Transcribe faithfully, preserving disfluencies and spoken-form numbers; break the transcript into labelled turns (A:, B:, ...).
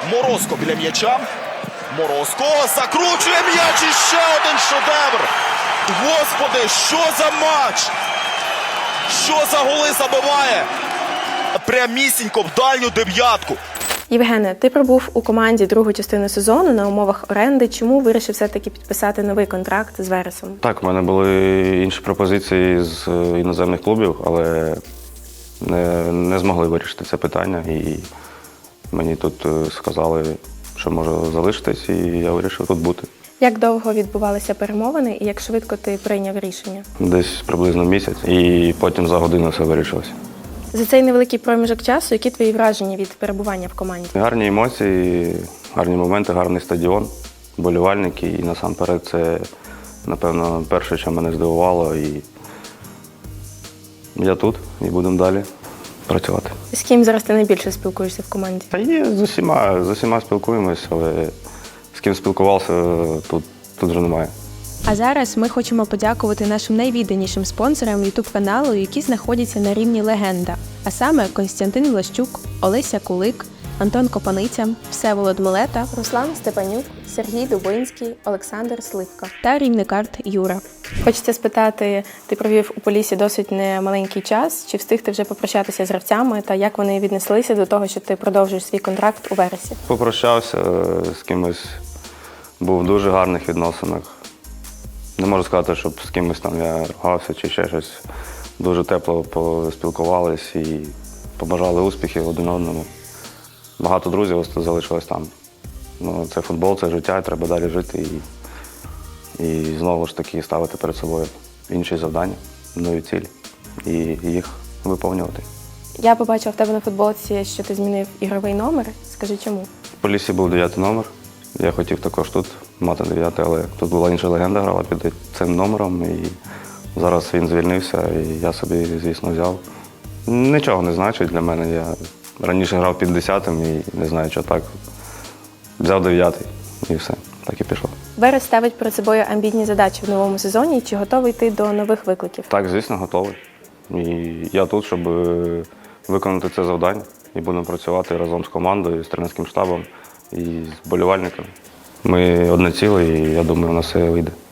A: Морозко біля м'яча. Морозко закручує м'яч і ще один шедевр. Господи, що за матч? Що за голи забиває? Прямісінько в дальню дев'ятку.
B: Євгене, ти пробув у команді другу частину сезону на умовах оренди. Чому вирішив все-таки підписати новий контракт з Вересом?
C: Так, в мене були інші пропозиції з іноземних клубів, але не, не змогли вирішити це питання. І мені тут сказали, що можу залишитись, і я вирішив тут бути.
B: Як довго відбувалися перемовини і як швидко ти прийняв рішення?
C: Десь приблизно місяць, і потім за годину все вирішилося.
B: За цей невеликий проміжок часу, які твої враження від перебування в команді?
C: Гарні емоції, гарні моменти, гарний стадіон, вболівальники. І насамперед це, напевно, перше, що мене здивувало. І я тут, і будемо далі працювати.
B: З ким зараз ти найбільше спілкуєшся в команді?
C: Та є, з усіма, з усіма спілкуємось, але з ким спілкувався, тут, тут вже немає.
D: А зараз ми хочемо подякувати нашим найвідданішим спонсорам ютуб-каналу, які знаходяться на рівні легенда. А саме Костянтин Влащук, Олеся Кулик, Антон Копаниця, Всеволод Милета,
B: Руслан Степанюк, Сергій Дубинський, Олександр Сливка
D: та рівникарт Юра.
B: Хочеться спитати, ти провів у Поліссі досить немаленький час. Чи встиг ти вже попрощатися з гравцями та як вони віднеслися до того, що ти продовжуєш свій контракт у Вересі?
C: Попрощався з кимось, був в дуже гарних відносинах. Не можу сказати, щоб з кимось там я ругався чи ще щось. Дуже тепло поспілкувались і побажали успіхів один одному. Багато друзів залишилось там. Ну, це футбол, це життя, треба далі жити і, і знову ж таки ставити перед собою інші завдання, нові цілі і їх виповнювати.
B: Я побачила в тебе на футболці, що ти змінив ігровий номер. Скажи, чому?
C: В Поліссі був дев'ятий номер. Я хотів також тут мати дев'ятий, але тут була інша легенда, грала під цим номером. І зараз він звільнився, і я собі, звісно, взяв. Нічого не значить для мене. Я раніше грав під десятим і не знаю, що так. Взяв дев'ятий і все, так і пішло.
B: Верес ставить перед собою амбітні задачі в новому сезоні. Чи готовий ти до нових викликів?
C: Так, звісно, готовий. І я тут, щоб виконати це завдання. І будемо працювати разом з командою, з тренерським штабом і з вболівальниками. Ми одне ціле, і я думаю, у нас все вийде.